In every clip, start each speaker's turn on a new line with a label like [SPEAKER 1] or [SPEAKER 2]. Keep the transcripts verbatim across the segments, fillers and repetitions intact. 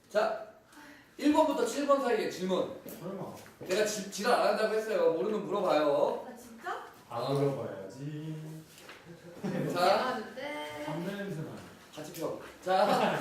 [SPEAKER 1] 자, 일 번부터 칠 번 사이에 질문.
[SPEAKER 2] 설마.
[SPEAKER 1] 내가 지, 지랄 안 한다고 했어요. 모르면 물어봐요.
[SPEAKER 3] 아 진짜?
[SPEAKER 2] 안 물어봐야지.
[SPEAKER 1] 자,
[SPEAKER 2] 담배 냄새나.
[SPEAKER 1] 같이 펴. 자,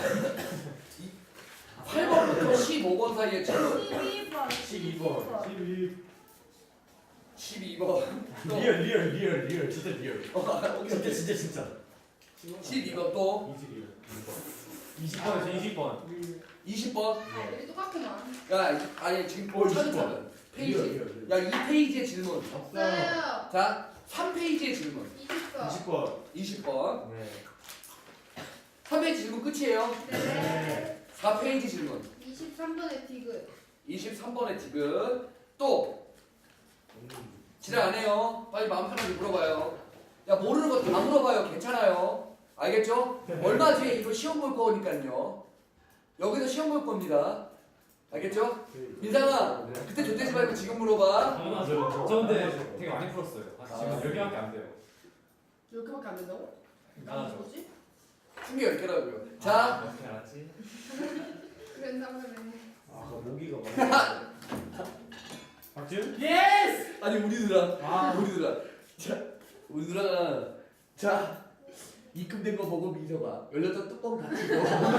[SPEAKER 1] 팔 번부터 십오 번 사이에 질문.
[SPEAKER 3] 십이 번.
[SPEAKER 2] 십이 번. 십이.
[SPEAKER 1] 십이 번. 또.
[SPEAKER 2] 리얼 리얼 리얼 리얼 진짜 리얼.
[SPEAKER 1] 어, 오케이, 오케이.
[SPEAKER 2] 진짜 진짜.
[SPEAKER 1] 십이 번 또.
[SPEAKER 2] 이지 리얼. 이십 번에서 이십 번.
[SPEAKER 1] 이십 번.
[SPEAKER 3] 아 여기 똑같구만.
[SPEAKER 1] 야, 이- 아니 지금
[SPEAKER 2] 어,
[SPEAKER 1] 차근차근. 페이지.
[SPEAKER 2] 리얼, 리얼, 리얼.
[SPEAKER 1] 야, 이 페이지의 질문.
[SPEAKER 3] 없어요.
[SPEAKER 1] 자, 삼 페이지의 질문.
[SPEAKER 3] 이십 번.
[SPEAKER 2] 이십 번.
[SPEAKER 1] 이십 번.
[SPEAKER 2] 네.
[SPEAKER 1] 삼 페이지 질문 끝이에요.
[SPEAKER 3] 네.
[SPEAKER 1] 사 페이지 질문.
[SPEAKER 3] 이십삼 번의 디귿.
[SPEAKER 1] 이십삼 번의 디귿. 또 지랄 안 해요. 빨리 마음 편하게 물어봐요. 야, 모르는 거 다 물어봐요. 괜찮아요. 알겠죠? 얼마 뒤에 이거 시험 볼 거니까요. 여기서 시험 볼 겁니다. 알겠죠? 민상아, 그때 좆대지 말고 지금 물어봐.
[SPEAKER 4] 당연하죠. 저 근데 되게 많이 풀었어요. 아, 지금 열 개밖에 안 돼요.
[SPEAKER 3] 이렇게밖에 안 된다고?
[SPEAKER 4] 아, 저-
[SPEAKER 3] 뭐지?
[SPEAKER 1] 큰 게 열 개라고요.
[SPEAKER 4] 아,
[SPEAKER 1] 자,
[SPEAKER 4] 어떻게 알았지?
[SPEAKER 3] 그랬나 보네.
[SPEAKER 2] 아, 모기가 많아. 박지훈?
[SPEAKER 4] 예스!
[SPEAKER 1] 아니 우리 누나,
[SPEAKER 2] 아.
[SPEAKER 1] 우리 누나. 자, 우리 누나가 자 입금된 거 보고 민서가 열렸던 뚜껑 닫히고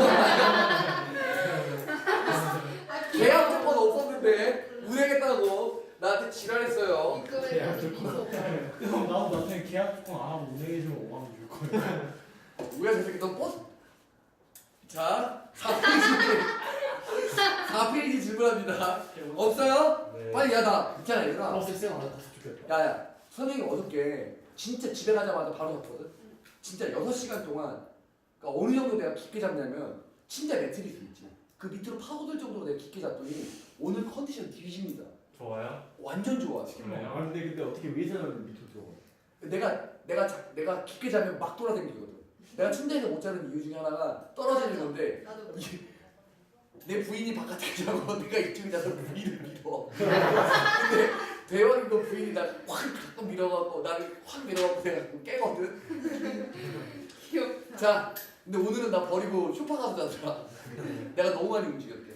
[SPEAKER 1] 계약 조건 없었는데 운행했다고 나한테 지랄했어요.
[SPEAKER 3] 입금에 미소.
[SPEAKER 2] 형 나도 나한테 계약 조건 안 하고 운행해주면 오만 원 줄 거야.
[SPEAKER 1] 우리가 저 새끼 너 버스. 자, 사 페이지 사 페이지 질문합니다. 없어요?
[SPEAKER 4] 네.
[SPEAKER 1] 빨리 야 나 있잖아 얘들아.
[SPEAKER 2] 버스 쌤 안 왔으면 좋겠다.
[SPEAKER 1] 야야 선생님 어저께 진짜 집에 가자마자 바로 잤거든. 진짜 여섯 시간 동안 그러니까 어느 정도 내가 깊게 잤냐면 진짜 매트리스 있지. 그 밑으로 파고들 정도로 내가 깊게 잤더니 오늘 컨디션 뒤집니다.
[SPEAKER 4] 좋아요?
[SPEAKER 1] 완전 좋아 지금.
[SPEAKER 4] 그래요?
[SPEAKER 2] 아 근데 근데 어떻게 위에서는 밑으로 들어가?
[SPEAKER 1] 내가 내가 자, 내가 깊게 자면 막 돌아다니거든. 내가 침대에서 못 자는 이유 중에 하나가 떨어지는 건데
[SPEAKER 3] 나도.
[SPEAKER 1] 내 부인이 바깥에 자고 내가 이쪽에 자서 부인을 밀어. 근데 대원이 그 부인이 나 확 가끔 밀어갖고 나를 확 밀어갖고 내가 가끔 깨거든.
[SPEAKER 3] 귀엽다.
[SPEAKER 1] 자, 근데 오늘은 나 버리고 쇼파 가서 자더라. 내가 너무 많이 움직였대.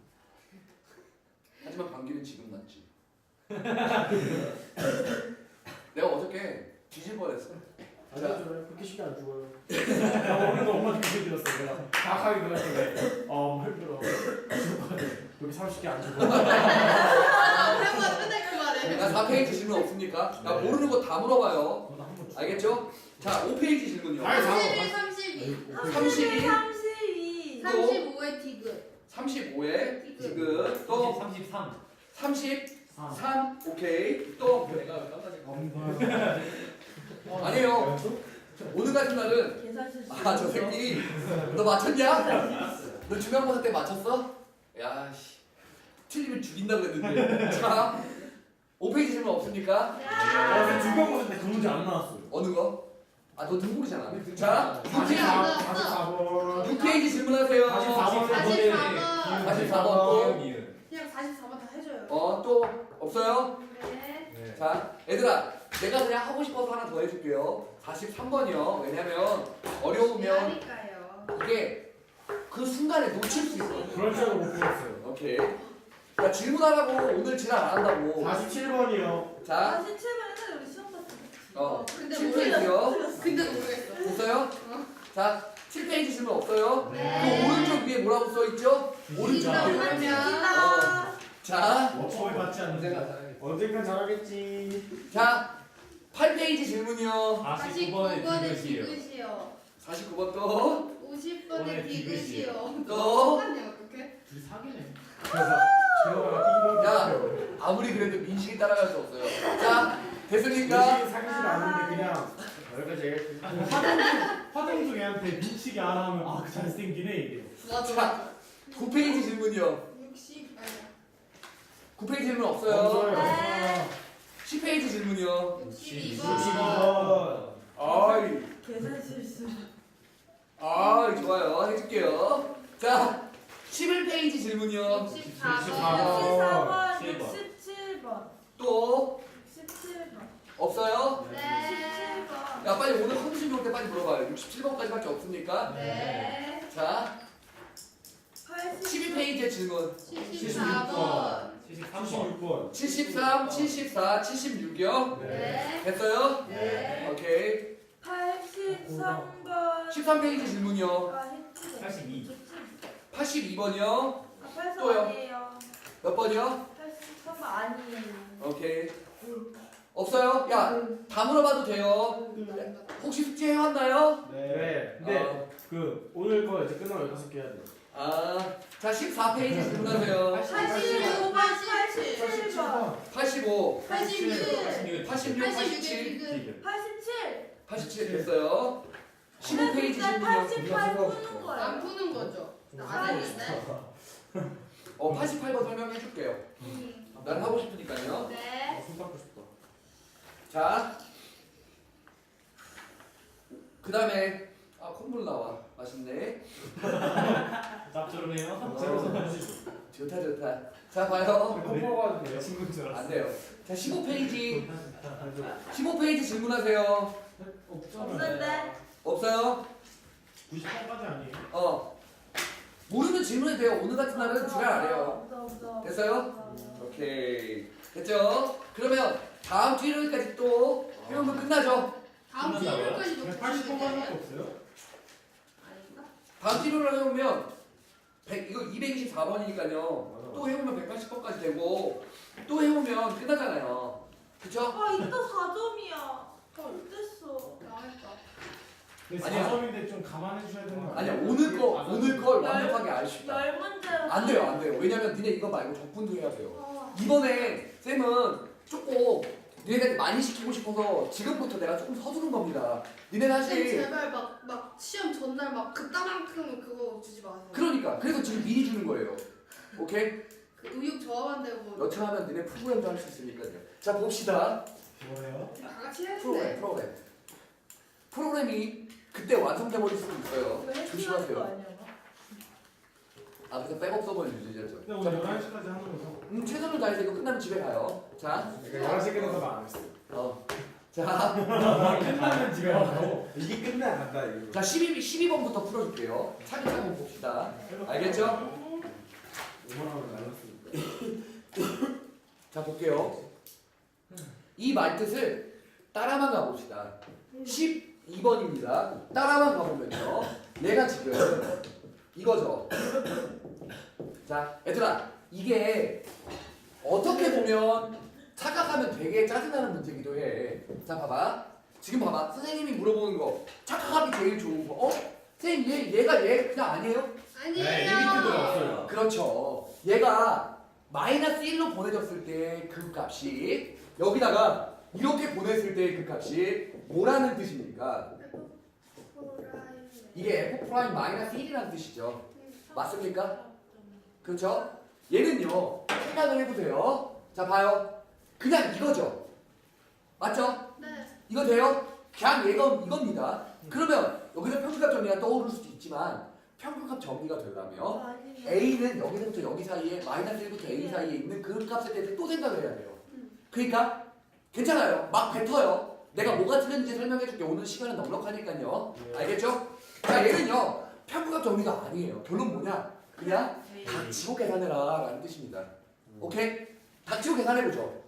[SPEAKER 1] 하지만 감기는 지금 낫지. 내가 어저께 뒤질 뻔했어.
[SPEAKER 2] 안 죽어요. 그렇게 쉽게 안 죽어요. 나 오늘도 엄마 죽게 들었어. 내가 다하게 그랬는데 어 힘들어. 여기 삼십 개 안 죽어.
[SPEAKER 3] 아 오랜만에 맨날 그 말해.
[SPEAKER 1] 나 사 페이지 질문 없습니까? 나 모르는 거 다 물어봐요.
[SPEAKER 2] 그거 한번 줘.
[SPEAKER 1] 알겠죠? 자, 오 페이지 질문요.
[SPEAKER 2] 아이,
[SPEAKER 3] 삼십일, 삼십이.
[SPEAKER 1] 삼십이,
[SPEAKER 3] 삼십이. 삼십오의 디귿.
[SPEAKER 1] 삼십오에 디귿, 또
[SPEAKER 4] 삼십삼.
[SPEAKER 1] 삼십삼, 오케이. 또
[SPEAKER 2] 엄마.
[SPEAKER 1] 아니에요. 오늘 같은 날은
[SPEAKER 3] 계산 실수.
[SPEAKER 1] 아, 저 새끼 너 맞췄냐? 너 중간고사 때 맞췄어? 야, 씨. 틀리면 죽인다 그랬는데. 자, 오 페이지 질문 없습니까?
[SPEAKER 2] 아, 근데 중간고사 때 그 문제 안 나왔어요.
[SPEAKER 1] 어느 거? 아, 너 등골이잖아. 자,
[SPEAKER 2] 사십사 번.
[SPEAKER 1] 육 페이지 질문하세요.
[SPEAKER 2] 사십사 번.
[SPEAKER 1] 사십사 번 또.
[SPEAKER 4] 이은.
[SPEAKER 3] 그냥 사십사 번 다 해줘요.
[SPEAKER 1] 어, 또 없어요?
[SPEAKER 3] 네.
[SPEAKER 4] 네.
[SPEAKER 1] 자, 얘들아, 내가 그냥 하고 싶어서 하나 더 해줄게요. 사십삼 번이요. 왜냐면 어려우면
[SPEAKER 3] 하니까요.
[SPEAKER 1] 이게 그 순간에 놓칠 수 있어.
[SPEAKER 2] 그럴 줄알고 못 풀었어요.
[SPEAKER 1] 오케이. 야, 질문하라고 오늘 지랄 안 한다고.
[SPEAKER 2] 사십칠 번이요.
[SPEAKER 1] 자,
[SPEAKER 3] 사십칠 번 옛날에 우리 시험 봤을 때.
[SPEAKER 1] 어,
[SPEAKER 3] 근데
[SPEAKER 1] 칠
[SPEAKER 3] 모르겠어.
[SPEAKER 1] 페이지요.
[SPEAKER 3] 근데 모르겠어.
[SPEAKER 1] 됐어요? 자, 칠 페이지 질문 없어요?
[SPEAKER 3] 네.
[SPEAKER 1] 그 오른쪽 위에 뭐라고 써 있죠? 오른쪽
[SPEAKER 3] 이거
[SPEAKER 1] 위에.
[SPEAKER 3] 하면.
[SPEAKER 1] 어. 자,
[SPEAKER 2] 뭐 처음에 받지 않는데. 언젠간 잘하겠지.
[SPEAKER 1] 자, 팔 페이지 질문이요.
[SPEAKER 4] 사십구 번의
[SPEAKER 3] 번의
[SPEAKER 4] 디귿이요.
[SPEAKER 3] 디귿이요.
[SPEAKER 1] 사십구 번 또.
[SPEAKER 3] 오십 번의
[SPEAKER 4] 번의
[SPEAKER 3] 디귿이요.
[SPEAKER 1] 또.
[SPEAKER 3] 똑같네 어떡해?
[SPEAKER 2] 둘이 사귀네. 그래서 제가
[SPEAKER 1] 야.
[SPEAKER 2] 이거
[SPEAKER 1] 아무리 그래도 민식이 따라갈 수 없어요. 자, 됐습니까?
[SPEAKER 2] 민식이 사귀지 않는데 그냥 여기까지 얘기했지. 화동중 화동중 애한테 민식이 안 하면 아 그 잘생기네 이게.
[SPEAKER 3] 맞아.
[SPEAKER 1] 자, 구 페이지 질문이요.
[SPEAKER 3] 육십 아니야.
[SPEAKER 1] 구 페이지 질문 없어요.
[SPEAKER 2] 없어요.
[SPEAKER 1] 십 페이지 질문이요.
[SPEAKER 3] 육십이
[SPEAKER 2] 육십이
[SPEAKER 3] 번.
[SPEAKER 2] 번.
[SPEAKER 1] 아이,
[SPEAKER 3] 계산 실수.
[SPEAKER 1] 아이, 좋아요. 해줄게요. 자, 십일 페이지 질문이요.
[SPEAKER 3] 육십사
[SPEAKER 2] 육십사
[SPEAKER 3] 번.
[SPEAKER 2] 번.
[SPEAKER 4] 칠 번.
[SPEAKER 3] 육십칠 번.
[SPEAKER 1] 또
[SPEAKER 3] 육십칠 번.
[SPEAKER 1] 없어요?
[SPEAKER 3] 네. 육십칠 번.
[SPEAKER 1] 야, 빨리 오늘 컨디션 좋을 때 빨리 물어봐요. 육십칠 번까지밖에 없습니까?
[SPEAKER 3] 네.
[SPEAKER 1] 자,
[SPEAKER 3] 팔십
[SPEAKER 1] 십이 페이지 페이지의 질문.
[SPEAKER 3] 칠십사 번.
[SPEAKER 4] 칠십삼 번.
[SPEAKER 2] 칠십육 번.
[SPEAKER 1] 칠십삼, 칠십사, 칠십육이요.
[SPEAKER 3] 네.
[SPEAKER 1] 됐어요?
[SPEAKER 3] 네.
[SPEAKER 1] 오케이.
[SPEAKER 3] 팔십삼 번.
[SPEAKER 1] 십삼 페이지 질문이요.
[SPEAKER 3] 아, 했지.
[SPEAKER 4] 팔십이.
[SPEAKER 1] 팔십이 번이요.
[SPEAKER 3] 아, 팔십삼
[SPEAKER 1] 또요.
[SPEAKER 3] 아니에요.
[SPEAKER 1] 몇 번이요?
[SPEAKER 3] 팔십삼 번 아니에요.
[SPEAKER 1] 오케이. 없어요? 야, 다 물어봐도 돼요. 혹시 숙제 해왔나요?
[SPEAKER 2] 네. 근데
[SPEAKER 1] 어.
[SPEAKER 2] 그 오늘 거 이제 끝나면 열다섯 개 해야 돼.
[SPEAKER 1] 아, 자 십사 페이지 질문하세요.
[SPEAKER 3] 팔십오 번, 팔십칠 번.
[SPEAKER 1] 팔십오,
[SPEAKER 3] 팔십육.
[SPEAKER 1] 팔십육, 팔십칠,
[SPEAKER 4] 디귿.
[SPEAKER 3] 팔십칠.
[SPEAKER 1] 팔십칠 됐어요. 십오 페이지 질문이요.
[SPEAKER 3] 팔십팔 푸는 거예요.
[SPEAKER 5] 안 푸는 거죠? 안 했는데?
[SPEAKER 1] 어, 팔십팔 번 설명해 줄게요. 난 하고 싶으니까요.
[SPEAKER 3] 네.
[SPEAKER 2] 손 닦고 싶다.
[SPEAKER 1] 자, 그 다음에 아 콧물 나와. 맛있네.
[SPEAKER 4] 짭조름해요.
[SPEAKER 2] 제로서 해주시죠.
[SPEAKER 1] 좋다 좋다. 자 봐요.
[SPEAKER 2] 컴퍼가 돼요.
[SPEAKER 4] 친구인 줄
[SPEAKER 1] 안
[SPEAKER 4] 알았어.
[SPEAKER 1] 돼요. 자 십오 페이지 십오 페이지 질문하세요.
[SPEAKER 3] 없는데.
[SPEAKER 1] 없어요?
[SPEAKER 2] 구십팔 까지 아니에요?
[SPEAKER 1] 어. 모르면 질문해도 돼요. 오늘 같은 날은 지랄 안 해요.
[SPEAKER 3] 없어, 없어.
[SPEAKER 1] 됐어요? 오케이. 됐죠? 그러면 다음 주 일요일까지 또 해보면 끝나죠?
[SPEAKER 5] 다음 주 일요일까지도
[SPEAKER 2] 백팔십
[SPEAKER 5] 푸시면
[SPEAKER 2] 번만
[SPEAKER 5] 돼요?
[SPEAKER 2] 없어요?
[SPEAKER 5] 아닌가?
[SPEAKER 1] 다음 주 일요일 해보면 백, 이거 이백이십사 번이니까요. 또 해보면 백팔십 번까지 되고 또 해보면 끝나잖아요. 그쵸?
[SPEAKER 3] 아, 이따 사 점이야. 어땠어?
[SPEAKER 5] 나왔다.
[SPEAKER 2] 근데
[SPEAKER 1] 아니야.
[SPEAKER 2] 사 점인데 좀 감안해 주셔야 되는 거
[SPEAKER 1] 아니야
[SPEAKER 2] 아니에요?
[SPEAKER 1] 오늘 거
[SPEAKER 2] 안
[SPEAKER 1] 오늘 걸 완벽하게 알 수 있다.
[SPEAKER 3] 열 문제로.
[SPEAKER 1] 안 돼요 안 돼요. 왜냐면 니네 이거 말고 적분도 해야 돼요.
[SPEAKER 3] 어.
[SPEAKER 1] 이번에 쌤은 조금 니네한테 많이 시키고 싶어서 지금부터 내가 조금 서두른 겁니다. 니네
[SPEAKER 5] 쌤
[SPEAKER 1] 사실
[SPEAKER 5] 제발 막, 막 시험 전날 막 그따만큼 그거 주지 마세요.
[SPEAKER 1] 그러니까 그래서 지금 미리 주는 거예요. 오케이?
[SPEAKER 5] 그 의욕 저하한다고
[SPEAKER 1] 여차하면 니네 프로그램도 할 수 있으니까요. 자 봅시다.
[SPEAKER 2] 뭐예요?
[SPEAKER 5] 다 같이
[SPEAKER 1] 프로그램
[SPEAKER 5] 했는데.
[SPEAKER 1] 프로그램 프로그램이 그때 완성돼 버릴 수도 있어요.
[SPEAKER 3] 이거 해킹하는 거
[SPEAKER 1] 조심하세요.
[SPEAKER 3] 아니야?
[SPEAKER 1] 아 그래서 백업 서버를 유지하죠.
[SPEAKER 2] 근데 오늘 열한 시까지 하는 거죠?
[SPEAKER 1] 음 최선을 다해서 이거 끝나면 집에 가요. 자,
[SPEAKER 2] 열한 시 끝나서 안 했어요.
[SPEAKER 1] 어, 자,
[SPEAKER 2] 끝나면 집에 가고 이게 끝나야 간다 이거.
[SPEAKER 1] 자 십이 십이 번부터 풀어줄게요. 차근차근 봅시다. 알겠죠?
[SPEAKER 2] 오만 원을 날렸으니까.
[SPEAKER 1] 자 볼게요. 이 말뜻을 따라만 가봅시다. 십이 번입니다. 따라만 가보면요. 얘가 지금 이거죠. 자, 얘들아, 이게 어떻게 보면 착각하면 되게 짜증나는 문제기도 해. 자, 봐봐. 지금 봐봐. 선생님이 물어보는 거 착각하기 제일 좋은 거. 어? 선생님, 얘, 얘가 얘 그냥 아니에요?
[SPEAKER 5] 아니에요.
[SPEAKER 2] 네, 리미트가 없어요.
[SPEAKER 1] 그렇죠. 얘가 마이너스 일로 보내졌을 때 그 값이 여기다가 이렇게 보냈을 때 그 값이 뭐라는 뜻입니까? 이게 f 프라임 마이너스 일이라는 뜻이죠. 맞습니까? 그렇죠? 얘는요. 생각을 해보세요. 자 봐요. 그냥 이거죠. 맞죠?
[SPEAKER 5] 네.
[SPEAKER 1] 이거 돼요? 그냥 얘가 이겁니다. 그러면 여기서 평균값 정리가 떠오를 수도 있지만 평균값 정리가 되려면
[SPEAKER 3] 아니에요.
[SPEAKER 1] A는 여기서부터 여기 사이에 마이너스 일부터 A 사이에 있는 그 값에 대해서 또 생각을 해야 돼요. 그러니까 괜찮아요. 막 뱉어요. 내가 뭐가 틀렸는지 설명해줄게. 오늘 시간은 넉넉하니까요. 알겠죠? 자 얘는요. 평균값 정리가 아니에요. 결론 뭐냐? 그냥 닥치고 계산해라 라는 뜻입니다. 오케이? 닥치고 계산해보죠.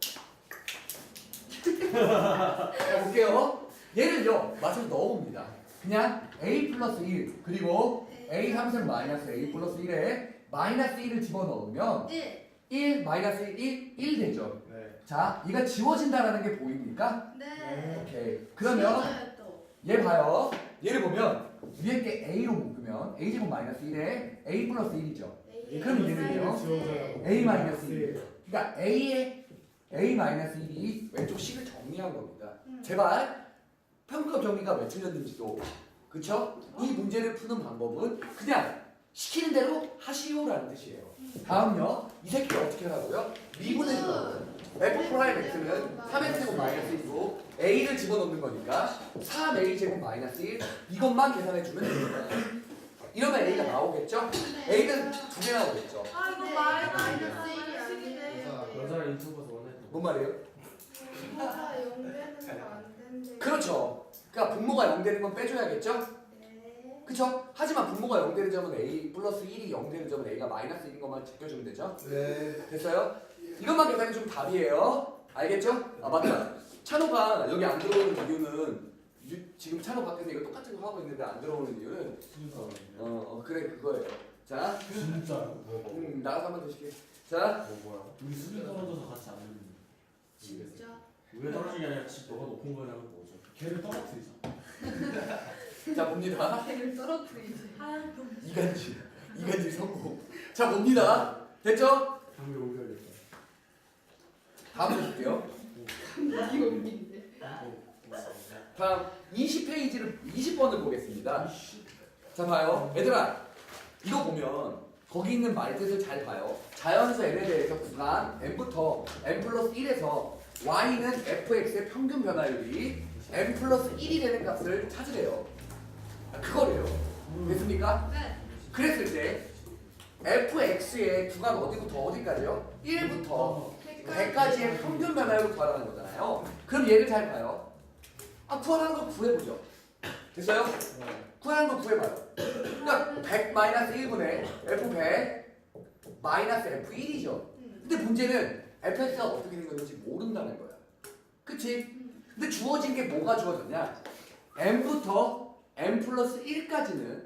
[SPEAKER 1] 자 볼게요. 얘를요. 맞춰서 넣어봅니다. 그냥 A 플러스 일 그리고 A 함수는 마이너스 A 플러스 일에 마이너스 일을 집어넣으면
[SPEAKER 5] 일.
[SPEAKER 1] 일 마이너스 일, 일 되죠.
[SPEAKER 2] 네.
[SPEAKER 1] 자, 얘가 지워진다라는 게 보입니까?
[SPEAKER 5] 네.
[SPEAKER 1] 오케이. 그러면
[SPEAKER 5] 지워져요, 또.
[SPEAKER 1] 얘 봐요. 얘를 보면 위에 게 A로 묶으면 A 제곱 마이너스 일에 A 플러스 일이죠.
[SPEAKER 5] A.
[SPEAKER 1] 그럼 얘는요?
[SPEAKER 2] 지워져요.
[SPEAKER 1] A 마이너스 일. 그러니까 A의 A 마이너스 일이 왼쪽 식을 정리한 겁니다.
[SPEAKER 5] 음.
[SPEAKER 1] 제발 평균값 정리가 왜 틀렸는지도 그쵸? 이 문제를 푸는 방법은 그냥 시키는 대로 하시오라는 뜻이에요. 다음요. 이 새끼를 어떻게 하라고요? 미분해 주라고요. F 프라임 X는 삼 X 제곱 마이너스 일이고 A를 집어넣는 거니까 삼 A 제곱 마이너스 일 이것만 계산해 주면 됩니다. 이러면 A가 나오겠죠? A는 두 개 나오겠죠?
[SPEAKER 3] 아, 이거
[SPEAKER 5] 네,
[SPEAKER 3] 마이너스
[SPEAKER 5] 마이너스 일이
[SPEAKER 3] 일이네.
[SPEAKER 2] 여자 인터뷰에서 원했던.
[SPEAKER 1] 뭔 말이에요?
[SPEAKER 5] 분모가 영 되는 거 안 된대.
[SPEAKER 1] 그렇죠. 그러니까 분모가 영 되는 건 빼줘야겠죠?
[SPEAKER 5] 네.
[SPEAKER 1] 그쵸? 하지만 분모가 영 되는 점은 A 플러스 일이 영 되는 점은 A가 마이너스 일인 것만 제껴주면 되죠?
[SPEAKER 6] 네.
[SPEAKER 1] 됐어요? 이것만 계산이 좀 답이에요. 알겠죠? 아 맞다. 찬호가 여기 안 들어오는 이유는 유- 지금 찬호 밖에서 이거 똑같은 거 하고 있는데 안 들어오는 이유는 어, 어 그래 그거예요. 자,
[SPEAKER 2] 진짜.
[SPEAKER 1] 음, 나가서 한번 더 시게. 자,
[SPEAKER 4] 뭐 뭐야?
[SPEAKER 2] 우리 수비 떨어져서 같이 안 되는.
[SPEAKER 5] 진짜.
[SPEAKER 2] 왜 떨어진 게 아니라 집 너가 높은 거냐면 뭐죠? 걔를 떨어뜨리자.
[SPEAKER 1] 자 봅니다.
[SPEAKER 5] 배를 떨어뜨리지.
[SPEAKER 3] 하얀 경.
[SPEAKER 1] 이간질, 이간질 성공. 자 봅니다. 됐죠?
[SPEAKER 2] 장비 옮겨야겠다.
[SPEAKER 1] 다음 볼게요.
[SPEAKER 5] 이거 웃긴데.
[SPEAKER 1] 다음 이십 페이지를 이십 번을 보겠습니다. 자 봐요. 얘들아 이거 보면 거기 있는 말뜻을 잘 봐요. 자연수 n에 대해서 구간 n부터 n 플러스 일에서 y는 fx의 평균 변화율이 n 플러스 일이 되는 값을 찾으래요. 아, 그거래요. 됐습니까?
[SPEAKER 5] 네.
[SPEAKER 1] 그랬을 때 fx의 구간 어디부터 어디까지요? 일부터 백까지의 평균 변화율을 구하라는 거잖아요. 그럼 얘를 잘 봐요. 아 구하라는 거 구해보죠. 됐어요? 구하라는 거 구해봐요. 그러니까 백 마이너스 일분의 에프 백 마이너스 에프 일이죠. 근데 문제는 fx가 어떻게 된 건지 모른다는 거야. 그치? 근데 주어진 게 뭐가 주어졌냐? n부터 n 플러스 일까지는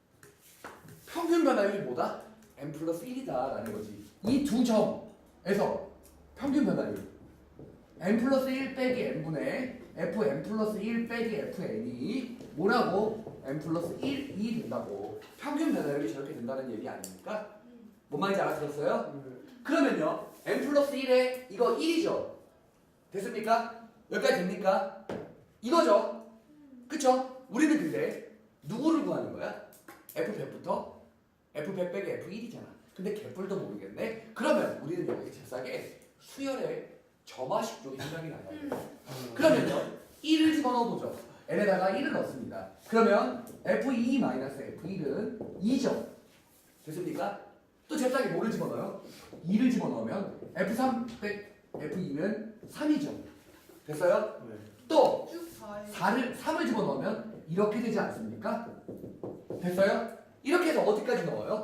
[SPEAKER 1] 평균 변화율이 뭐다? n 플러스 일이다 라는 거지. 이 두 점에서 평균 변화율 n 플러스 일 빼기 n분의 fn 플러스 일 빼기 fn이 뭐라고? n 플러스 일이 된다고. 평균 변화율이 저렇게 된다는 얘기 아닙니까? 뭔 말인지 알아들었어요? 그러면요 n 플러스 일에 이거 일이죠. 됐습니까? 여기까지 됩니까? 이거죠. 그쵸? 우리는 근데 누구를 구하는 거야? 에프 백부터 에프 백 빼기 에프 일이잖아. 근데 개뿔도 모르겠네. 그러면 우리는 여기 잽싸게 수열의 점화식 쪽이 생각이 나요. 그러면요 일을 집어넣어보죠. n에다가 일을 넣습니다. 그러면 에프 이 마이너스 에프 일은 이죠. 됐습니까? 또 잽싸게 뭐를 집어넣어요? 이를 집어넣으면 에프 삼 빼 에프 이는 삼이죠. 됐어요?
[SPEAKER 2] 네.
[SPEAKER 1] 또
[SPEAKER 5] 쭉 봐요.
[SPEAKER 1] 사를 삼을 집어넣으면 이렇게 되지 않습니까? 됐어요? 이렇게 해서 어디까지 넣어요?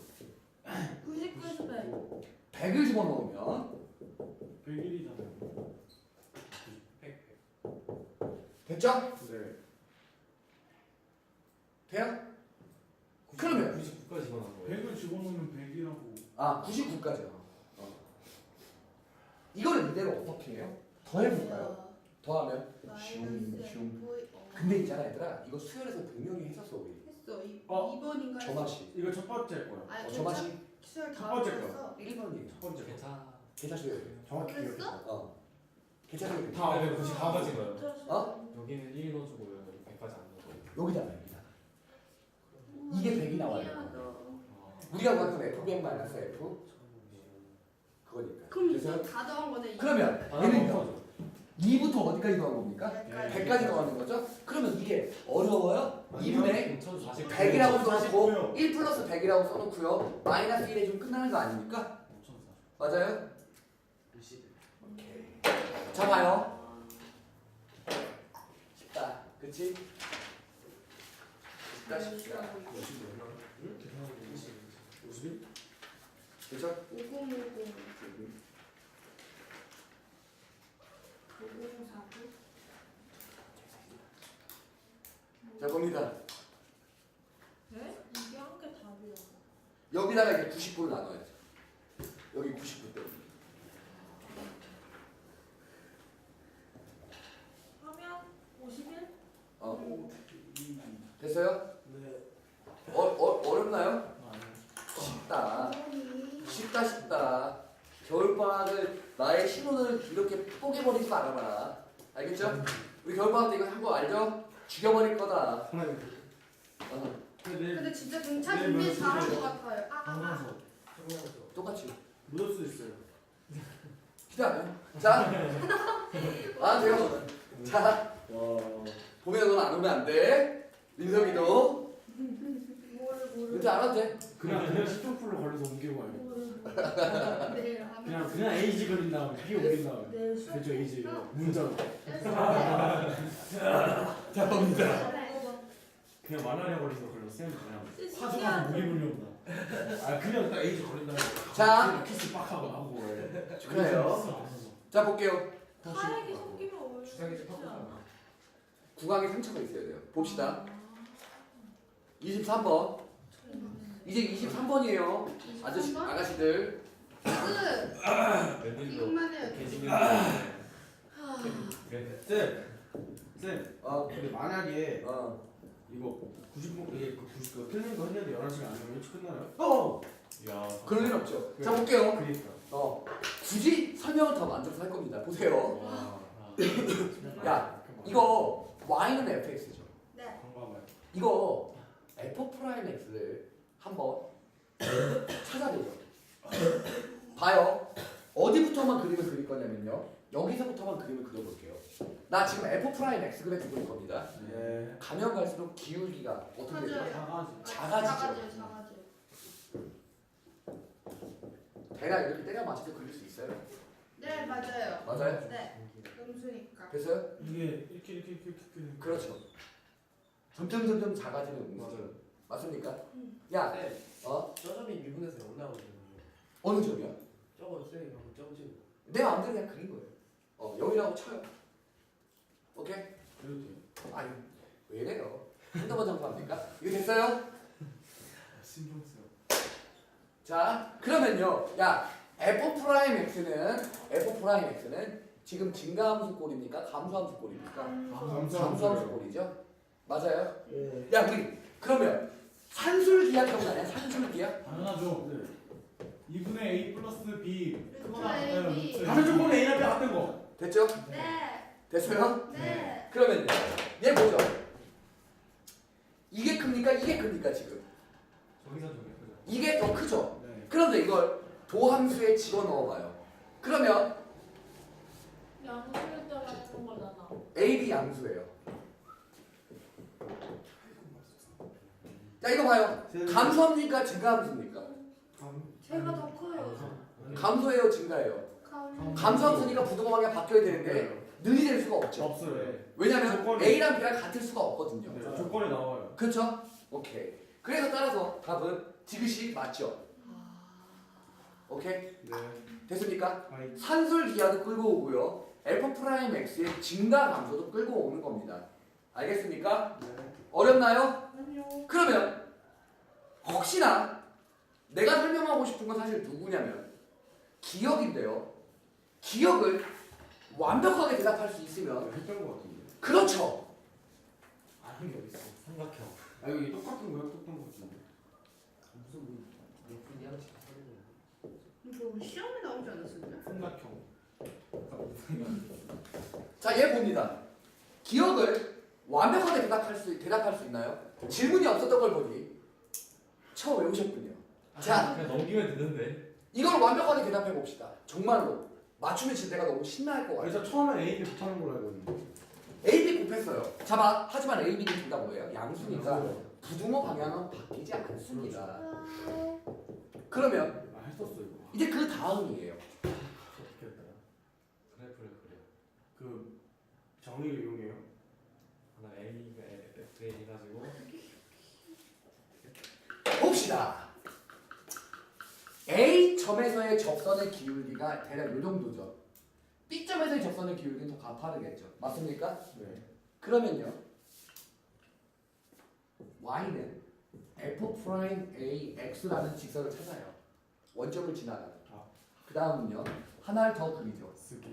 [SPEAKER 3] 구십구 배.
[SPEAKER 1] 백을 집어넣으면
[SPEAKER 2] 백일이잖아요.
[SPEAKER 1] 됐죠?
[SPEAKER 2] 네.
[SPEAKER 1] 돼요? 그러면
[SPEAKER 4] 구십구까지 집어넣은 거예요.
[SPEAKER 2] 백을 집어넣으면 백이라고.
[SPEAKER 1] 아 구십구까지요. 어. 이거를 이대로 어떻게 해요? 더 해볼까요? 더하면
[SPEAKER 5] 마이너스
[SPEAKER 1] 슝.
[SPEAKER 5] 에프
[SPEAKER 1] 근데 있잖아 얘들아 이거 수열에서 분명히 했었어 우리.
[SPEAKER 5] 했어. 이
[SPEAKER 2] 어?
[SPEAKER 5] 이 번인가 했어.
[SPEAKER 1] 저마시.
[SPEAKER 2] 이거 첫 번째 거야.
[SPEAKER 5] 아니
[SPEAKER 1] 어,
[SPEAKER 5] 괜찮.
[SPEAKER 1] 저마시
[SPEAKER 5] 수열
[SPEAKER 2] 첫
[SPEAKER 5] 다
[SPEAKER 2] 번째
[SPEAKER 5] 했어.
[SPEAKER 1] 일 번이에요.
[SPEAKER 2] 첫 번째 거.
[SPEAKER 4] 괜찮아.
[SPEAKER 1] 계산 수열.
[SPEAKER 2] 정확히
[SPEAKER 5] 그랬어?
[SPEAKER 2] 기억해.
[SPEAKER 1] 어. 계산 수열.
[SPEAKER 2] 다
[SPEAKER 4] 아, 네, 구십구 가진 거예요.
[SPEAKER 1] 어?
[SPEAKER 4] 여기는 일 넣어주고 여기 백까지 안 넣어주고.
[SPEAKER 1] 여기다가 여기다가. 이게 백이 나와요.
[SPEAKER 4] 아,
[SPEAKER 1] 우리가 봤던 에프 백 마이너스 F 그거니까.
[SPEAKER 5] 그럼
[SPEAKER 1] 그래서
[SPEAKER 5] 이거 다 더한 거네. 이
[SPEAKER 1] 그러면
[SPEAKER 4] 아,
[SPEAKER 1] 얘는
[SPEAKER 4] 넣어줘.
[SPEAKER 1] 이부터 어디까지 더한 겁니까?
[SPEAKER 5] 백까지.
[SPEAKER 1] 백까지 더하는 거죠? 그러면 이게 어려워요? 이분의
[SPEAKER 4] 천사십.
[SPEAKER 1] 백이라고 써놓고
[SPEAKER 2] 사십구요.
[SPEAKER 1] 일 플러스 백이라고 써놓고요 마이너스 일에 좀 끝나는 거 아닙니까? 맞아요? 오케이. 자 봐요. 쉽다. 그치? 쉽다 쉽다.
[SPEAKER 2] 오십일?
[SPEAKER 1] 그죠?
[SPEAKER 5] 오공오공. 오공사구.
[SPEAKER 1] 자 봅니다.
[SPEAKER 3] 네? 이게 한 개 답이야.
[SPEAKER 1] 여기다가 이제 구십구를 나눠야죠. 여기 구십구 때.
[SPEAKER 3] 하면 오십일?
[SPEAKER 1] 어. 됐어요?
[SPEAKER 2] 네.
[SPEAKER 1] 어, 어, 어렵나요?
[SPEAKER 2] 아니.
[SPEAKER 1] 쉽다.
[SPEAKER 5] 오이.
[SPEAKER 1] 쉽다 쉽다. 겨울방학을 나의 신혼을 이렇게 뽀개버리지 말아봐라. 알겠죠? 우리 겨울방학 때 이거 한 거 알죠? 죽여버릴 거다.
[SPEAKER 2] 하나님.
[SPEAKER 1] 어,
[SPEAKER 2] 근데
[SPEAKER 5] 근데 진짜 등차
[SPEAKER 2] 네,
[SPEAKER 5] 준비
[SPEAKER 2] 네,
[SPEAKER 5] 잘한
[SPEAKER 2] 네.
[SPEAKER 5] 것 같아요. 아, 아, 아.
[SPEAKER 2] 항상서
[SPEAKER 1] 똑같이.
[SPEAKER 2] 묻을 수 있어요.
[SPEAKER 1] 기대하면. 자, 아 돼요. 자,
[SPEAKER 2] 와.
[SPEAKER 1] 보면 넌 안 오면 안 돼. 민석이도.
[SPEAKER 5] 뭐를 뭐를.
[SPEAKER 1] 은퇴 안 와도 돼.
[SPEAKER 2] 그냥 그냥 십종풀로 걸려서 옮기고 가요.
[SPEAKER 3] 뭐를
[SPEAKER 5] 내일 하면.
[SPEAKER 2] 그냥 그냥 에이지 그린 다음에 B 올린 다음에.
[SPEAKER 3] 내일 수업
[SPEAKER 2] 그죠 에이지 문자로.
[SPEAKER 1] 자 봅니다.
[SPEAKER 3] 먹어봐.
[SPEAKER 2] 그냥 만화냐 걸려서 걸렸어요. 그냥 파주가
[SPEAKER 3] 신기하죠?
[SPEAKER 2] 목이 물려온다. 아 그냥 딱 에이즈 걸린다.
[SPEAKER 1] 자.
[SPEAKER 2] 키스 빡 하고 나오고 그래.
[SPEAKER 1] 축하해요. 자 볼게요.
[SPEAKER 3] 사액이 섞이면 얼마나
[SPEAKER 4] 주사기 좀
[SPEAKER 3] 좋지 않아?
[SPEAKER 4] 팍팍하나?
[SPEAKER 1] 구강에 상처가 있어야 돼요. 봅시다. 이십삼 번. 이제 이십삼 번이에요. 아저씨
[SPEAKER 5] 이십삼 번?
[SPEAKER 1] 아가씨들.
[SPEAKER 5] 끝.
[SPEAKER 4] 웬일로
[SPEAKER 5] 이것만 해요.
[SPEAKER 4] 개지면 그래.
[SPEAKER 2] 쌤, 쌤.
[SPEAKER 1] 어.
[SPEAKER 2] 근데 만약에
[SPEAKER 1] 어.
[SPEAKER 2] 이거 구십 분 이게 그 구십 그 틀린 거 했는데 열한 시간 아니면 일찍 끝나요? 어.
[SPEAKER 4] 야.
[SPEAKER 1] 그럴 일 없죠. 자 볼게요.
[SPEAKER 2] 그러니까.
[SPEAKER 1] 어. 굳이 설명을 더 만들어서 할 겁니다. 보세요.
[SPEAKER 2] 와.
[SPEAKER 1] 야, 이거 y는 fx죠.
[SPEAKER 3] 네.
[SPEAKER 2] 방법을.
[SPEAKER 1] 이거 f 프라임 x를 한번 찾아보죠. 봐요. 어디부터만 그림을 그릴 거냐면요. 여기서부터만 그림을 그려볼게요. 나 지금 f 프라임 x 그래 두고 있을 겁니다.
[SPEAKER 2] 네.
[SPEAKER 1] 가면 갈수록 기울기가 어떻게 되죠?
[SPEAKER 5] 맞아요.
[SPEAKER 2] 작아지.
[SPEAKER 1] 작아지죠.
[SPEAKER 5] 작아져요. 작아져요.
[SPEAKER 1] 대략 이렇게 때려 맞춰서 그릴 수 있어요.
[SPEAKER 5] 네 맞아요.
[SPEAKER 1] 맞아요?
[SPEAKER 5] 네. 음수니까.
[SPEAKER 1] 됐어요?
[SPEAKER 2] 이게 이렇게 이렇게 이렇게 이렇게.
[SPEAKER 1] 그렇죠. 점점 점점 작아지는 음수.
[SPEAKER 4] 맞아요.
[SPEAKER 1] 맞습니까?
[SPEAKER 5] 음.
[SPEAKER 1] 야,
[SPEAKER 6] 네.
[SPEAKER 1] 어?
[SPEAKER 6] 저 점이 미분에서 영 나오거든요.
[SPEAKER 1] 어느 점이야?
[SPEAKER 6] 저거 쌤이 방금 점지.
[SPEAKER 1] 내 마음대로 그냥 그린 거예요. 어, 영이라고 쳐요. 오케이?
[SPEAKER 2] 그래도 돼.
[SPEAKER 1] 아니, 왜 이래요? 한두 번 정도합니까? 이거 됐어요?
[SPEAKER 2] 신경 쓰여.
[SPEAKER 1] 자, 그러면요. 야, f 프라임 x는 f 프라임 x는 지금 증가함수 꼴입니까? 감소함수 꼴입니까?
[SPEAKER 2] 감소.
[SPEAKER 1] 감소함수 꼴이죠. 맞아요?
[SPEAKER 6] 예.
[SPEAKER 1] 야, 우리 그러면 산술기하 기억나냐? 산술기하?
[SPEAKER 2] 당연하죠. 네.
[SPEAKER 7] 이분의 A 플러스 B 그거나
[SPEAKER 5] 루트
[SPEAKER 7] 같아요.
[SPEAKER 5] A, B.
[SPEAKER 7] 루트
[SPEAKER 2] 다른 조건에 A랑 B 같은 거.
[SPEAKER 1] 됐죠?
[SPEAKER 5] 네.
[SPEAKER 1] 됐어요?
[SPEAKER 5] 네.
[SPEAKER 1] 그러면요. 얘 뭐죠? 이게 큽니까? 이게 큽니까 지금?
[SPEAKER 4] 저기서 저기 그죠.
[SPEAKER 1] 이게 더 크죠?
[SPEAKER 2] 네.
[SPEAKER 1] 그런데 이걸 도함수에 집어넣어봐요. 그러면
[SPEAKER 3] 양수를 따라 하는 거잖아.
[SPEAKER 1] A, B 양수예요. 자 이거 봐요. 감소합니까? 증가함수입니까?
[SPEAKER 5] 제가 더 커요.
[SPEAKER 1] 감소예요? 증가예요?
[SPEAKER 5] 감.
[SPEAKER 1] 감소함수니까 부등호 방향 바뀌어야 되는데 늘이 될 수가 없죠.
[SPEAKER 2] 없어요.
[SPEAKER 1] 왜냐면
[SPEAKER 2] 조건이-
[SPEAKER 1] A랑 B랑 같을 수가 없거든요.
[SPEAKER 2] 네. 조건이 나와요.
[SPEAKER 1] 그렇죠? 오케이. 그래서 따라서 답은 지그시 맞죠? 오케이?
[SPEAKER 2] 네.
[SPEAKER 1] 됐습니까?
[SPEAKER 2] 아이.
[SPEAKER 1] 산술 기하도 끌고 오고요. f 프라임 x의 증가 감소도 끌고 오는 겁니다. 알겠습니까?
[SPEAKER 2] 네.
[SPEAKER 1] 어렵나요?
[SPEAKER 5] 아니요.
[SPEAKER 1] 그러면 혹시나 내가 설명하고 싶은 건 사실 누구냐면 기억인데요. 기억을 완벽하게 대답할 수 있으면
[SPEAKER 2] 했던 거 같은데.
[SPEAKER 1] 그렇죠.
[SPEAKER 2] 아는 게 어딨어.
[SPEAKER 4] 삼각형.
[SPEAKER 2] 아 여기 똑같은 거야? 똑같은 거 같은데.
[SPEAKER 6] 무슨 몇 분이 하나씩 하는
[SPEAKER 5] 이거 우리 시험에 나오지 않았었냐?
[SPEAKER 2] 삼각형.
[SPEAKER 1] 자, 얘 봅니다. 기억을 완벽하게 대답할 수 대답할 수 있나요? 질문이 없었던 걸 보니 처음 외우셨군요. 자,
[SPEAKER 4] 그냥 넘기면 되는데.
[SPEAKER 1] 이걸 완벽하게 대답해 봅시다. 정말로 맞추면 진짜 내가 너무 신나할 것 같아요.
[SPEAKER 2] 그래서 처음에 A, B 붙하는 걸로 알고 있는데.
[SPEAKER 1] A, B 곱했어요. 자봐. 하지만 A, B는 둘 다 뭐예요? 양수니까 부등호 방향은 바뀌지 않습니다. 그러면
[SPEAKER 2] 아 했었어 이거.
[SPEAKER 1] 이제 그 다음이에요.
[SPEAKER 2] 어떻게 했더라?
[SPEAKER 4] 그래프를 그려.
[SPEAKER 2] 그 정의를 이용해요.
[SPEAKER 4] 하나 A가 F A 해가지고
[SPEAKER 1] 봅시다. A 점에서의 접선의 기울기가 대략 이 정도죠. B 점에서의 접선의 기울기는 더 가파르겠죠. 맞습니까?
[SPEAKER 2] 네.
[SPEAKER 1] 그러면요. Y는 F 프라임 A X라는 직선을 찾아요. 원점을 지나가는.
[SPEAKER 2] 아.
[SPEAKER 1] 그 다음은요. 하나를 더 그리죠.
[SPEAKER 2] 쓰게.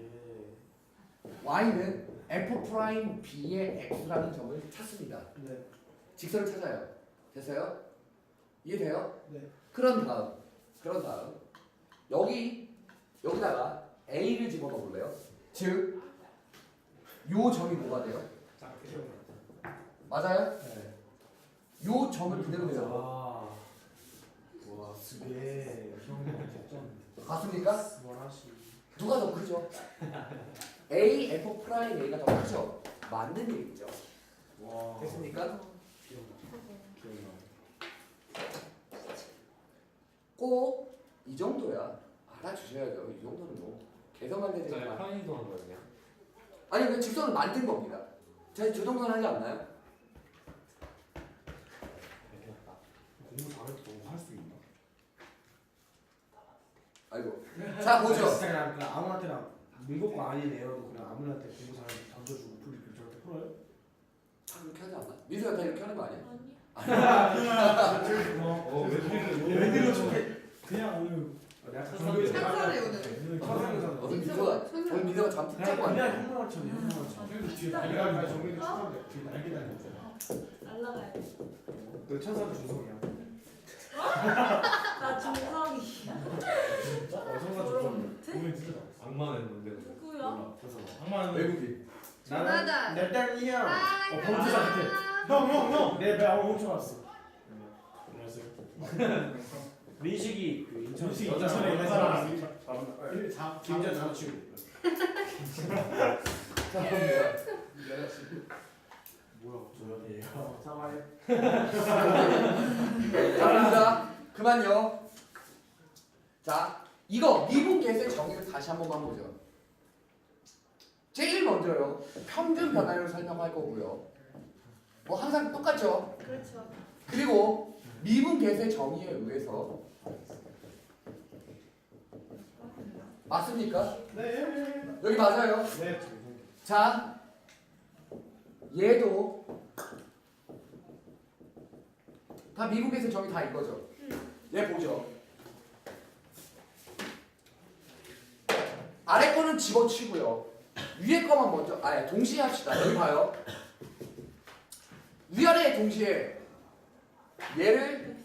[SPEAKER 1] Y는 F 프라임 B의 X라는 점을 찾습니다.
[SPEAKER 2] 네.
[SPEAKER 1] 직선을 찾아요. 됐어요? 이해돼요?
[SPEAKER 2] 네.
[SPEAKER 1] 그런 다음, 그런 다음 여기 여기다가 A를 집어넣어 볼래요? 즉, 요 점이 뭐가 돼요?
[SPEAKER 2] 작게.
[SPEAKER 1] 맞아요?
[SPEAKER 2] 네.
[SPEAKER 1] 요 점을 그대로 내요.
[SPEAKER 2] 아. 와 쓰게. 형
[SPEAKER 1] 맞습니까?
[SPEAKER 2] 원하시.
[SPEAKER 1] 누가 더 크죠? A, F 프라임 A가 더 크죠? 맞는 얘기죠.
[SPEAKER 2] 와.
[SPEAKER 1] 됐습니까?
[SPEAKER 2] 기억나.
[SPEAKER 1] 꼭 이 정도야. 알아주셔야죠. 이 정도는 뭐 개성할 때
[SPEAKER 4] 저희
[SPEAKER 1] 되지만.
[SPEAKER 4] 편의도 하는 거예요 그냥.
[SPEAKER 1] 아니 그 직선을 만든 겁니다. 제가 저 정도는 하지 않나요?
[SPEAKER 2] 공부 잘했다고 할 수 있나?
[SPEAKER 1] 아이고. 자 보죠.
[SPEAKER 2] 진짜 그냥, 그냥 아무한테나 문법고 아닌 애여도 그냥 아무한테 공부 잘하는 던져주고 풀리고 저렇게 풀어요?
[SPEAKER 1] 다 이렇게 하지 않나? 민수가 다 이렇게 하는 거 아니야?
[SPEAKER 3] 아니.
[SPEAKER 4] 어, 왜
[SPEAKER 2] 웬일로 저게 그냥 오늘 내가
[SPEAKER 4] 천사네.
[SPEAKER 5] 천사네, 오늘.
[SPEAKER 2] 오늘 천사네.
[SPEAKER 1] 오늘 민수가 오늘 민수가 잠 푹 자고
[SPEAKER 2] 그냥
[SPEAKER 1] 왔네.
[SPEAKER 2] 현명한 척 현명한 척 뒤에 날개 달린 정민이 천사인데 뒤에 날개 달린 거잖아.
[SPEAKER 3] 날라가야 돼.
[SPEAKER 2] 너 천사도 준성이야.
[SPEAKER 3] 나 정상이야.
[SPEAKER 2] 진짜? 어 천사 준성이야. 정민 진짜 잘했어.
[SPEAKER 4] 악마는 뭔데?
[SPEAKER 3] 누구야?
[SPEAKER 2] 몰라. 그래서
[SPEAKER 7] 악마는
[SPEAKER 1] 외국인.
[SPEAKER 2] 나는
[SPEAKER 5] 나다.
[SPEAKER 2] 내 딸이야.
[SPEAKER 5] 아,
[SPEAKER 2] 어 범죄자 같아. 형 형 형. 내 배 한번 훔쳐왔어. 안녕하세요. 민식이 그 인천
[SPEAKER 7] 민식이
[SPEAKER 2] 여자
[SPEAKER 7] 인천에 있는 사람.
[SPEAKER 2] 자 김자 남자친구.
[SPEAKER 6] 내가 지금
[SPEAKER 2] 뭐야 저 여자예요. 사과해.
[SPEAKER 1] 자 봅니다. 그만요. 자 이거 미분 계수의 정의를 다시 한 번만 보죠. 제일 먼저요. 평균 변화율을 설명할 거고요. 뭐 항상 똑같죠.
[SPEAKER 5] 그렇죠.
[SPEAKER 1] 그리고 미분 계수의 정의에 의해서 맞습니까?
[SPEAKER 2] 네.
[SPEAKER 1] 여기 맞아요.
[SPEAKER 2] 네.
[SPEAKER 1] 자 얘도 다 미분 계수의 정의 다 이거죠. 얘 보죠. 아래 거는 집어치고요. 위에 거만 먼저 아예 동시에 합시다. 여기 봐요. 위아래 동시에 얘를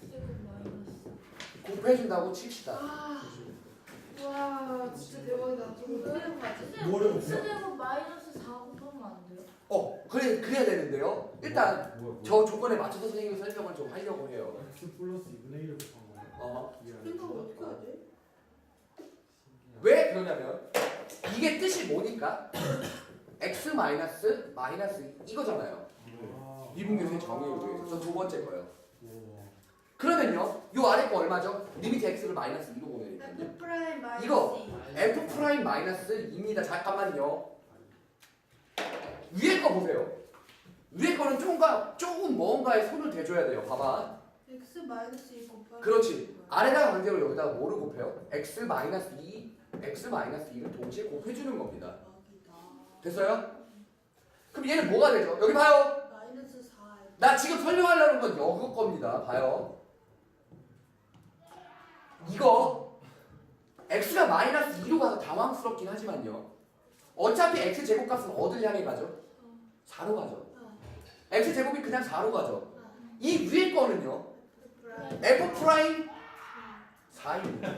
[SPEAKER 1] 곱해준다고 칩시다.
[SPEAKER 5] 아, 와, 진짜 대박이다. 좀 어려운 거 같지?
[SPEAKER 2] 뭐를
[SPEAKER 3] X제곱 마이너스 사 곱하면 안 돼요?
[SPEAKER 1] 어 그래 그래야 되는데요. 일단
[SPEAKER 4] 뭐야, 뭐야.
[SPEAKER 1] 저 조건에 맞춰서 선생님이 설명을 좀 하려고 해요.
[SPEAKER 2] X 플러스 이분의 일을 곱한 거예요.
[SPEAKER 1] 어.
[SPEAKER 5] 생각 어떻게 하지?
[SPEAKER 1] 왜 그러냐면 이게 뜻이 뭐니까 x 마이너스 마이너스 이거잖아요.
[SPEAKER 2] 아.
[SPEAKER 1] 미분계수의 정의에 의해서 저 두 번째 거요.
[SPEAKER 2] 우와.
[SPEAKER 1] 그러면요 요 아래 거 얼마죠? 리미트 x를 마이너스 이로 보내야 되거든요.
[SPEAKER 5] F 프라임 마이너스
[SPEAKER 1] 이거.
[SPEAKER 5] 이.
[SPEAKER 1] f 프라임 마이너스 이입니다. 잠깐만요. 위에 거 보세요. 위에 거는 조금가 조금 뭔가에 손을 대줘야 돼요. 봐봐.
[SPEAKER 5] X 마이너스 이 곱하기
[SPEAKER 1] 그렇지. 아래다가 강제로 여기다가 뭐를 곱해요? x 마이너스 이, x 마이너스 이를 동시에 곱해주는 겁니다. 됐어요? 그럼 얘는 뭐가 되죠? 여기 봐요.
[SPEAKER 5] 마이너스 사.
[SPEAKER 1] 나 지금 설명하려는 건 이거 겁니다. 봐요. 이거 x가 마이너스 이로 가서 당황스럽긴 하지만요. 어차피 x 제곱값은 어딜 향해 가죠? 사로 가죠. x 제곱이 그냥 사로 가죠. 이 위에 거는요. f 프라임 사입니다.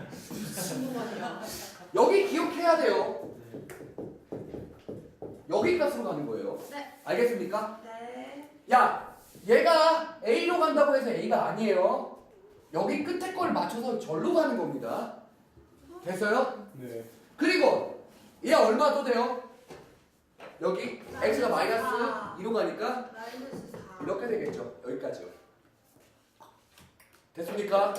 [SPEAKER 1] 여기 기억해야 돼요. 여기 값으로 가는 거예요.
[SPEAKER 5] 네.
[SPEAKER 1] 알겠습니까?
[SPEAKER 5] 네.
[SPEAKER 1] 야, 얘가 A로 간다고 해서 A가 아니에요. 여기 끝에 걸 맞춰서 절로 가는 겁니다. 됐어요?
[SPEAKER 2] 네.
[SPEAKER 1] 그리고 얘 얼마 또 돼요? 여기 x가 마이너스 이로 가니까
[SPEAKER 5] 마이너스 사.
[SPEAKER 1] 이렇게 되겠죠. 여기까지요. 됐습니까?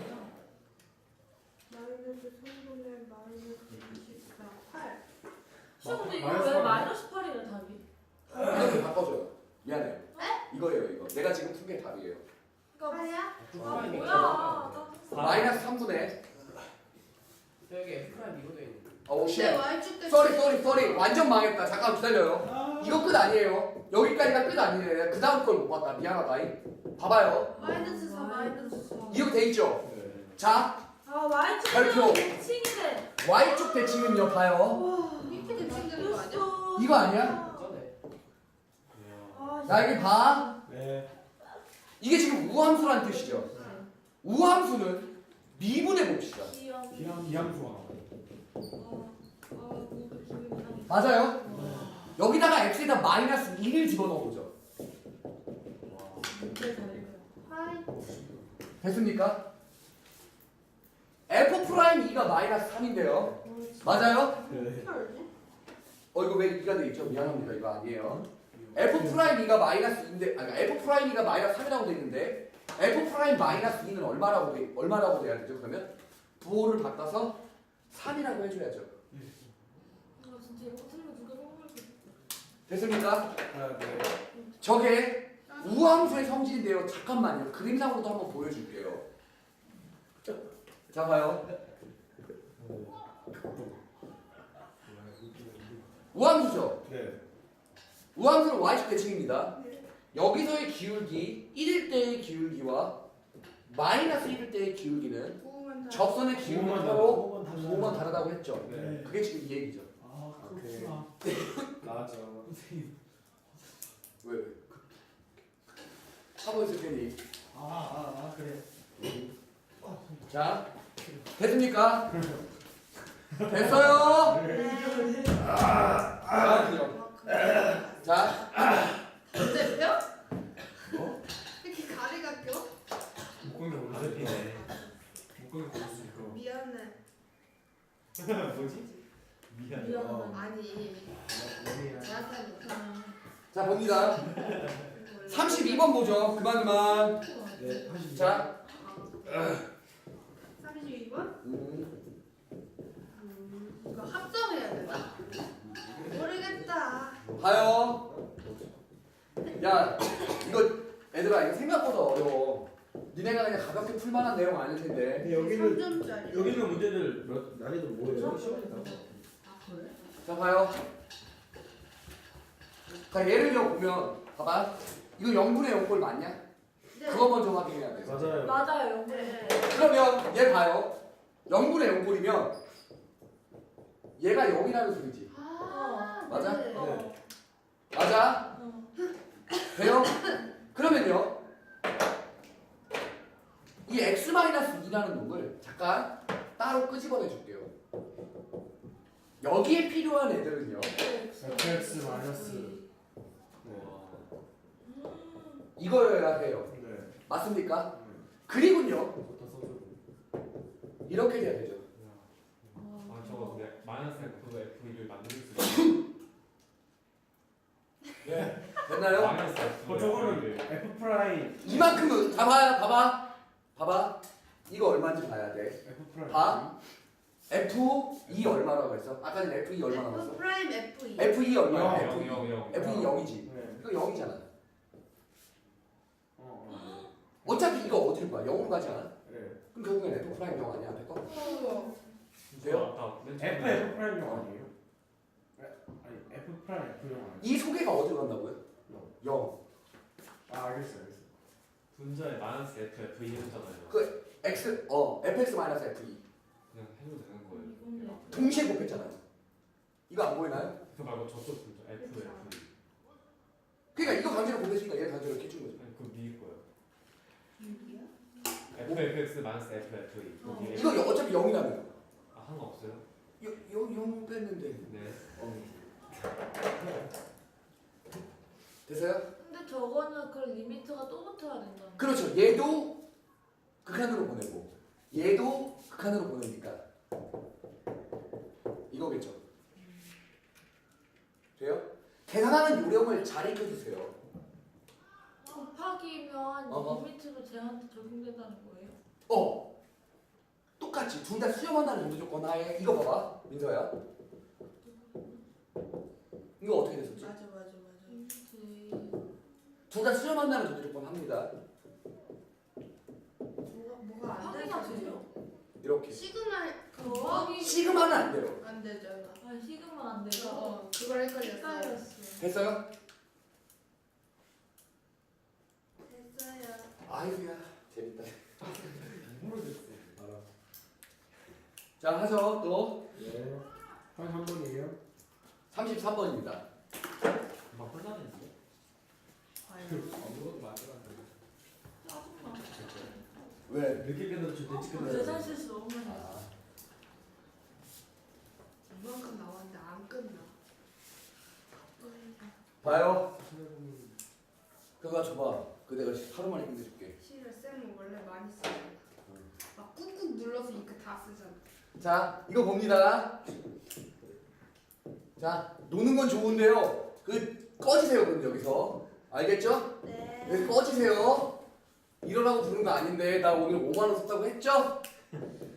[SPEAKER 5] 마이너스 삼분의 마이너스 이십사. 팔.
[SPEAKER 3] 시험 근데 이거
[SPEAKER 2] 마이너스
[SPEAKER 3] 왜
[SPEAKER 2] 팔이야?
[SPEAKER 3] 마이너스 팔이래 답이?
[SPEAKER 1] 이렇게 바꿔줘요. 미안해요. 이거예요, 이거. 내가 지금 푼 게 답이에요.
[SPEAKER 3] 그러니까
[SPEAKER 5] 팔이야?
[SPEAKER 3] 아 뭐야? 나
[SPEAKER 1] 마이너스 삼분의
[SPEAKER 6] 여기 F 프라임 이거 돼 있는
[SPEAKER 1] 어, 오, 쉣.
[SPEAKER 5] 네, Y축 대
[SPEAKER 1] 쏘리, 쏘리, 쏘리. 완전 망했다. 잠깐 기다려요. 이거 끝 아니에요. 여기까지가 끝 아니에요. 그 다음 걸 못 봤다. 미안하다. 봐봐요.
[SPEAKER 5] 마이너스 사 마이너스 사.
[SPEAKER 1] 이렇게 돼 있죠? 자,
[SPEAKER 3] 아 Y축
[SPEAKER 1] 별표.
[SPEAKER 3] 대칭이네.
[SPEAKER 1] Y축 대칭은요, 봐요.
[SPEAKER 5] 밑에 대칭되는 거 아니야?
[SPEAKER 1] 이거 아니야?
[SPEAKER 6] 전에
[SPEAKER 3] 아,
[SPEAKER 1] 자, 여기 봐.
[SPEAKER 2] 네.
[SPEAKER 1] 이게 지금 우함수란 뜻이죠. 우함수는 미분해 봅시다.
[SPEAKER 3] 시험.
[SPEAKER 2] 비함 비함수가 나와요.
[SPEAKER 3] 아, 뭔가 기분이 이상해.
[SPEAKER 1] 맞아요? 여기다가 x에다 마이너스 일을 집어넣어 보죠.
[SPEAKER 3] 문제 잘 읽어요.
[SPEAKER 5] 하이.
[SPEAKER 1] 됐습니까? f 프라임 이가 마이너스 삼인데요. 맞아요?
[SPEAKER 2] 네.
[SPEAKER 5] 어떻게 알지?
[SPEAKER 1] 어 이거 왜 이가 돼 있죠? 미안합니다. 이거 아니에요. f 프라임 이가 마이너스 이인데 아니 f 프라임 이가 마이너스 삼이라고 돼 있는데 f 프라임 마이너스 이는 얼마라고 돼 얼마라고 돼야 되죠? 그러면 부호를 바꿔서 삼이라고 해줘야죠.
[SPEAKER 3] 아 진짜 이거 틀리면 누가 선물 줬어?
[SPEAKER 1] 됐습니까?
[SPEAKER 2] 아, 네.
[SPEAKER 1] 저게 우함수의 성질인데요. 잠깐만요. 그림상으로도 한번 보여줄게요. 자 봐요. 우함수죠.
[SPEAKER 2] 네.
[SPEAKER 1] 우함수는 y축 대칭입니다. 여기서의 기울기 일일 때의 기울기와 마이너스 일일 때의 기울기는
[SPEAKER 5] 구우면 다.
[SPEAKER 1] 접선의 기울기
[SPEAKER 2] 구우만
[SPEAKER 1] 서로
[SPEAKER 2] 다르-
[SPEAKER 1] 두번 다르다고 했죠.
[SPEAKER 2] 네.
[SPEAKER 1] 그게 지금 이 얘기죠.
[SPEAKER 7] 아
[SPEAKER 2] 오케이.
[SPEAKER 7] 그렇구나.
[SPEAKER 2] 맞아.
[SPEAKER 1] 왜? 왜? 하고 있을 테니.
[SPEAKER 7] 아아 아, 그래.
[SPEAKER 1] 자, 됐습니까? 됐어요.
[SPEAKER 5] 네.
[SPEAKER 1] 자,
[SPEAKER 5] 그만큼.
[SPEAKER 1] 자,
[SPEAKER 5] 근데 뼈?
[SPEAKER 2] 뭐?
[SPEAKER 5] 이렇게 가리가 껴?
[SPEAKER 4] 묶은 게 오늘 피네. 묶은 게 볼수 있고.
[SPEAKER 5] 미안해.
[SPEAKER 2] 뭐지?
[SPEAKER 4] 미안.
[SPEAKER 3] 미안하다.
[SPEAKER 5] 아니.
[SPEAKER 2] 미안.
[SPEAKER 5] 제한테 못하는.
[SPEAKER 1] 자 봅니다. 삼십이 번 보죠. 그만 그만.
[SPEAKER 2] 네. 하십시오.
[SPEAKER 1] 자,
[SPEAKER 5] 삼십이 번?
[SPEAKER 1] 음,
[SPEAKER 5] 음, 이거 합성해야 되나? 모르겠다.
[SPEAKER 1] 봐요. 야, 이거 애들아 이거 생각보다 어려워. 니네가 그냥 가볍게 풀만한 내용 아닐 텐데.
[SPEAKER 2] 근데 여기는
[SPEAKER 5] 삼 점짜리.
[SPEAKER 2] 여기 있는 문제들 몇 난이도 뭐예요? 시험이다.
[SPEAKER 5] 아 그래?
[SPEAKER 1] 자 봐요. 자 예를 들어 보면 봐봐. 이거 영분의 영꼴 맞냐?
[SPEAKER 5] 네.
[SPEAKER 1] 그거 먼저 확인해야 돼.
[SPEAKER 2] 맞아요.
[SPEAKER 3] 맞아요, 영분.
[SPEAKER 5] 네.
[SPEAKER 1] 그러면 얘 봐요. 영분의 영꼴이면 얘가 영이라는 소리지.
[SPEAKER 5] 아
[SPEAKER 1] 맞아?
[SPEAKER 5] 네.
[SPEAKER 3] 어.
[SPEAKER 1] 맞아?
[SPEAKER 3] 어.
[SPEAKER 1] 돼요? 그러면요. 이 x-이라는 놈을 잠깐 따로 끄집어내 줄게요. 여기에 필요한 애들은요.
[SPEAKER 2] 에프엑스 마이너스. 네.
[SPEAKER 1] 이거여야 해요.
[SPEAKER 2] 네.
[SPEAKER 1] 맞습니까? 그리고요.
[SPEAKER 2] 그것도 써줘.
[SPEAKER 1] 이렇게 돼야 되죠.
[SPEAKER 4] 아 저거 근데 마이너스 F F를 만들 수 있어.
[SPEAKER 2] 네.
[SPEAKER 1] 됐나요?
[SPEAKER 4] 마이너스 F.
[SPEAKER 2] 어 저거는 F 프라임.
[SPEAKER 1] 이만큼은 다 봐요. 봐봐. 봐봐. 이거 얼마인지 봐야 돼.
[SPEAKER 2] F 프라임.
[SPEAKER 1] 봐. 에프 이 얼마라고 했어? 아까 전에 에프 이 얼마
[SPEAKER 5] F
[SPEAKER 1] 나왔어?
[SPEAKER 5] 프라임 F 이.
[SPEAKER 1] 에프 이 얼마야?
[SPEAKER 2] 영,
[SPEAKER 1] 에프 이.
[SPEAKER 4] 영, 영.
[SPEAKER 1] 에프 이 영이지.
[SPEAKER 2] 네.
[SPEAKER 1] 이거 영이잖아.
[SPEAKER 2] 어. 어.
[SPEAKER 1] 어차피 이거 어디로 가? 영으로 가지 않아?
[SPEAKER 2] 네.
[SPEAKER 1] 그럼 결국엔 에프 프라임 영 아니야? 앞에 거?
[SPEAKER 5] 어.
[SPEAKER 1] 돼요?
[SPEAKER 4] 아까 맨
[SPEAKER 2] F
[SPEAKER 4] 처음에
[SPEAKER 2] F 프라임 영 아니에요? 네. 아니 F 프라임 F 영 아니에요?
[SPEAKER 1] 이 소개가 어디로 간다고요?
[SPEAKER 2] 영.
[SPEAKER 1] 영.
[SPEAKER 2] 아 알겠어 알겠어.
[SPEAKER 4] 분자에 마이너스 F F 이 했잖아요.
[SPEAKER 1] 그 x 어 에프엑스 마이너스 에프 이
[SPEAKER 4] 그냥 해도 되는 거예요.
[SPEAKER 3] 이건데.
[SPEAKER 1] 동시에 곱했잖아요. 이거 안 보이나요?
[SPEAKER 4] 그 말고 저쪽 분자 F F 이.
[SPEAKER 1] 그러니까 이거 강제로 곱했으니까 얘 강제로 이렇게 준 거죠.
[SPEAKER 4] 아니 그 미일 거예요.
[SPEAKER 5] 육이야?
[SPEAKER 4] F F X 마이너스 F F 이.
[SPEAKER 3] 어.
[SPEAKER 4] 거기에
[SPEAKER 1] 이거 여- 어차피 영이라며.
[SPEAKER 4] 아 상관없어요?
[SPEAKER 1] 영 뺐는데.
[SPEAKER 4] 네.
[SPEAKER 1] 어. 됐어요?
[SPEAKER 3] 근데 저거는 그 리미트가 또 붙어야 된다.
[SPEAKER 1] 그렇죠. 얘도 극한으로 보내고 얘도 극한으로 보내니까 이거겠죠. 돼요? 계산하는 요령을 잘 익혀주세요.
[SPEAKER 3] 곱하기면
[SPEAKER 1] 어허.
[SPEAKER 3] 리미트로 쟤한테 적용된다는 거예요?
[SPEAKER 1] 어. 똑같이 둘 다 수렴한다는 전제 조건 하에 이거 봐봐. 민서야. 이거 어떻게 됐었지?
[SPEAKER 5] 맞아 맞아 맞아.
[SPEAKER 3] 리미트.
[SPEAKER 1] 둘 다 수렴한다는 전제 조건 합니다.
[SPEAKER 5] 뭐가 뭐가 안
[SPEAKER 3] 곱하기가
[SPEAKER 5] 되죠?
[SPEAKER 3] 되죠?
[SPEAKER 1] 이렇게.
[SPEAKER 5] 시그마
[SPEAKER 3] 곱하기.
[SPEAKER 1] 시그마는 안 돼요.
[SPEAKER 5] 안 되잖아.
[SPEAKER 3] 아 시그마 안 돼요.
[SPEAKER 5] 어 그걸 헷갈렸어.
[SPEAKER 3] 헷갈렸어.
[SPEAKER 1] 됐어요?
[SPEAKER 5] 됐어요.
[SPEAKER 1] 아이고야 재밌다.
[SPEAKER 2] 모르겠어.
[SPEAKER 1] 알아. 자 하죠 또
[SPEAKER 2] 네. 한 번이에요?
[SPEAKER 1] 삼십삼 번입니다.
[SPEAKER 4] 막 혼자냈어.
[SPEAKER 5] 아유.
[SPEAKER 6] 아무것도 만들어 안 돼.
[SPEAKER 3] 짜증나.
[SPEAKER 1] 왜?
[SPEAKER 2] 늦게 끝나도 저 늦게 끝나요.
[SPEAKER 3] 계산 실수 너무 많이 했어.
[SPEAKER 1] 아,
[SPEAKER 5] 이만큼 나왔는데 안 끝나.
[SPEAKER 1] 봐요. 그거 줘봐. 그 내가 하루 만에 끝내줄게.
[SPEAKER 5] 실을 쌤은 원래 많이 쓰잖아. 막 꾹꾹 눌러서 이거 다 쓰잖아.
[SPEAKER 1] 자 이거 봅니다. 자 노는 건 좋은데요. 그 꺼지세요 그럼 여기서 알겠죠?
[SPEAKER 5] 네.
[SPEAKER 1] 여기서 꺼지세요. 이러라고 부른 거 아닌데 나 오늘 오만 원 썼다고 했죠?